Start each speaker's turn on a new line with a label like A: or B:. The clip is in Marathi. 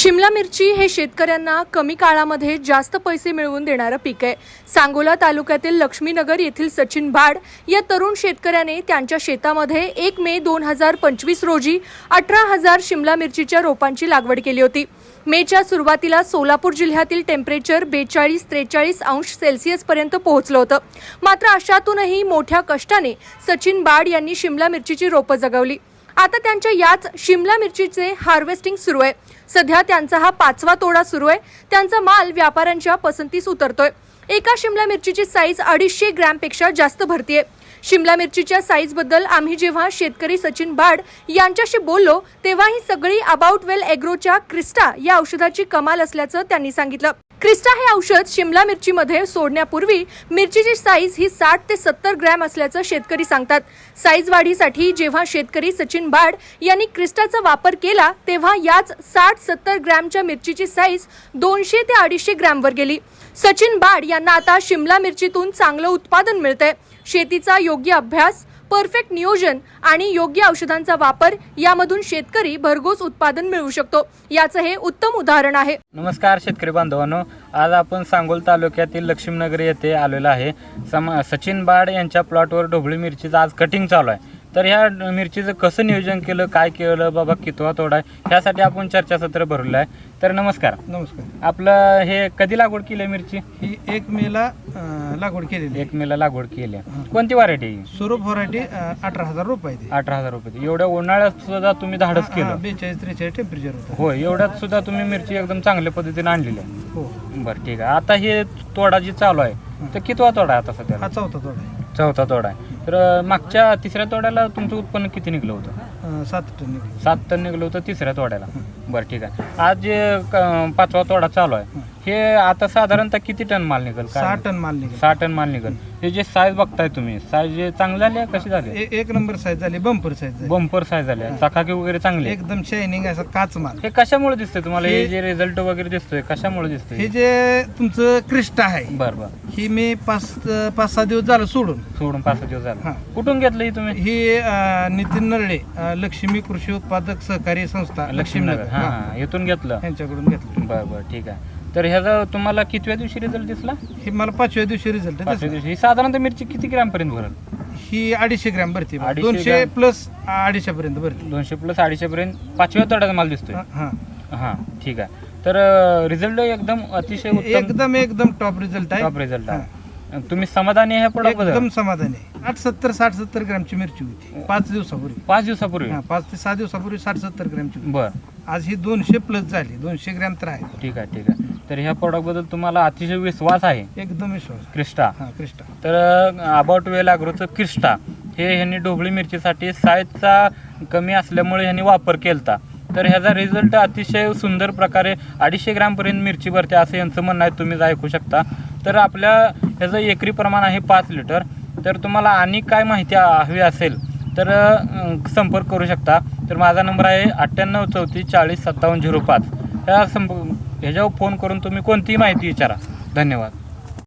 A: शिमला मिरची हे शेतकऱ्यांना कमी काळामध्ये जास्त पैसे मिळवून देणारं पीक आहे। सांगोला तालुक्यातील लक्ष्मीनगर येथील सचिन भाड या तरुण शेतकऱ्याने त्यांच्या शेतामध्ये 1 मे 2025 रोजी 18,000 शिमला मिरचीच्या रोपांची लागवड केली होती। मेच्या सुरुवातीला सोलापूर जिल्ह्यातील टेम्परेचर 42-43 अंश सेल्सिअस पर्यंत पोहोचलं होतं। मात्र अशातूनही मोठ्या कष्टाने सचिन भाड यांनी शिमला मिरचीची रोपं जगवली। आता त्यांच्या याच शिमला मिरचीचे हार्वेस्टिंग सुरू आहे। सध्या त्यांचा हा 5वा तोडा सुरू आहे। त्यांचा माल व्यापाऱ्यांच्या पसंतीस उतरतोय। एका शिमला मिरचीची साईज 250 ग्रॅमपेक्षा जास्त भरतीये। शिमला मिरचीच्या साईज बद्दल आम्ही जेव्हा शेतकरी सचिन भाड यांच्याशी बोललो तेव्हा ही सगळी अबाउट वेल एग्रोच्या क्रिस्टा या औषधाची कमाल असल्याचं त्यांनी सांगितलं। क्रिस्टा हे औषध शिमला मिरचीमध्ये सोडण्यापूर्वी मिरचीची साईज ही 60 ते 70 ग्रॅम असल्याचं शेतकरी सांगतात। साईज वाढीसाठी जेव्हा शेतकरी सचिन भाड यांनी क्रिस्टाचा वापर केला तेव्हा याच 60-70 ग्रॅमच्या मिरचीची साईज 200 ते 250 ग्रॅमवर गेली। सचिन भाड यांना आता शिमला मिरचीतून चांगलं उत्पादन मिळतंय। शेतीचा योग्य अभ्यास, परफेक्ट नियोजन आणि योग्य औषधांचा वापर यामधून शेतकरी भरघोस उत्पादन मिळवू शकतो। याचं हे उत्तम उदाहरण आहे।
B: नमस्कार शेतकरी बांधवांनो, आज आपण सांगोल तालुक्यातील लक्ष्मीनगर येथे आलेलो आहे। सचिन भाड यांच्या प्लॉटवर ढोबळी मिरचीचं आज कटिंग चालू आहे। तर ह्या मिरचीचं कसं नियोजन केलं, काय केलं बाबा, कितवा तोडा आहे, ह्यासाठी आपण चर्चासत्र भरवलं आहे। तर नमस्कार।
C: नमस्कार।
B: आपलं हे कधी लागवड केली मिरची?
C: ही 1 मेला लागवड केलेली
B: 1 मेला लागवड केली। कोणती व्हरायटी?
C: स्वरूप व्हरायटी 18,000 रुपये
B: 18,000 रुपये। एवढ्या उन्हाळ्यात सुद्धा तुम्ही धाडस केलं?
C: 42-43 टेम्परेचर होतं।
B: हो, एवढ्यात सुद्धा तुम्ही मिरची एकदम चांगल्या पद्धतीने आणलेली आहे।
C: हो
B: बरं, ठीक आहे। आता हे तोडा जी चालू आहे तर कितवा तोडा आहे आता सध्या?
C: हा 4था तोडा आहे।
B: 4था तोडा आहे। तर मागच्या 3ऱ्या तोड्याला तुमचं उत्पन्न किती निघलं होतं?
C: 7 टन निघाले।
B: 7 टन निघलं होतं 3ऱ्या तोड्याला। बरं, ठीक आहे। आज जे 5वा तोडा चालू आहे हे आता साधारणतः किती टन माल निघेल?
C: 6 टन माल निघाले।
B: 6 टन माल निघेल। हे जे साईज बघताय तुम्ही, साईज चांगली झाली आहे, कशी झाली?
C: एक नंबर साईज झाली, बंपर साईज झाली,
B: बंपर साईज झाली आहे, चकाकी वगैरे चांगली आहे,
C: एकदम शायनिंग असा काच माल।
B: हे कशामुळे दिसतंय तुम्हाला? हे जे रिझल्ट वगैरे दिसतोय कशामुळे दिसतोय?
C: हे जे तुमचं क्रिस्टा आहे,
B: बरं बरं,
C: ही मी 5-6 दिवस झालं सोडून
B: 5 दिवस झाले।
C: हां।
B: कुठून घेतलं ही तुम्ही?
C: ही नितीन नरळे, लक्ष्मी कृषी उत्पादक सहकारी संस्था
B: लक्ष्मीनगर, हां, इथून घेतलं,
C: यांच्याकडून घेतलं।
B: बरं बरं, ठीक आहे। तर ह्याचा तुम्हाला कितव्या दिवशी रिझल्ट दिसला?
C: ही मला 5व्या दिवशी रिझल्ट
B: 5व्या दिवशी। ही साधारणतः मिरची किती ग्रॅम पर्यंत भरेल?
C: ही 250 ग्रॅम भरती,
B: 250
C: 200 प्लस 250 पर्यंत भरती।
B: 200 प्लस 250 पर्यंत 5व्या तोड्याचा माल दिसतोय।
C: हां,
B: हां, ठीक आहे। तर रिझल्ट एकदम अतिशय उत्तम,
C: एकदम टॉप रिझल्ट आहे।
B: टॉप रिझल्ट आहे। तुम्ही समाधानी आहे प्रोडक्ट बद्दल?
C: एकदम समाधानी आहे। 60-70 ग्रॅमची मिरची होती 5 दिवसापूर्वी।
B: 5 दिवसापूर्वी?
C: 5 ते 6 दिवसापूर्वी 60-70 ग्रॅमची होती।
B: बरं,
C: आज ही 200 प्लस झाली, 200 ग्रॅम तर आहे।
B: ठीक आहे, ठीक आहे। तर ह्या प्रोडक्ट बद्दल तुम्हाला अतिशय विश्वास आहे?
C: एकदम विश्वास।
B: क्रिस्टा,
C: हां, क्रिस्टा।
B: तर अबाउट वेल अॅग्रोचं क्रिस्टा हे ह्यांनी ढोबळी मिरचीसाठी साईजचा कमी असल्यामुळे ह्यांनी वापर केलता। तर ह्याचा रिझल्ट अतिशय सुंदर प्रकारे 250 ग्रॅमपर्यंत मिरची भरते असं यांचं म्हणणं आहे, तुम्ही ऐकू शकता। तर आपल्या ह्याचं एकरी प्रमाण आहे 5 लिटर। तर तुम्हाला आणि काय माहिती हवी असेल तर संपर्क करू शकता। तर माझा नंबर आहे 9834405705। ह्याच्यावर फोन करून तुम्ही कोणतीही माहिती विचारा। धन्यवाद।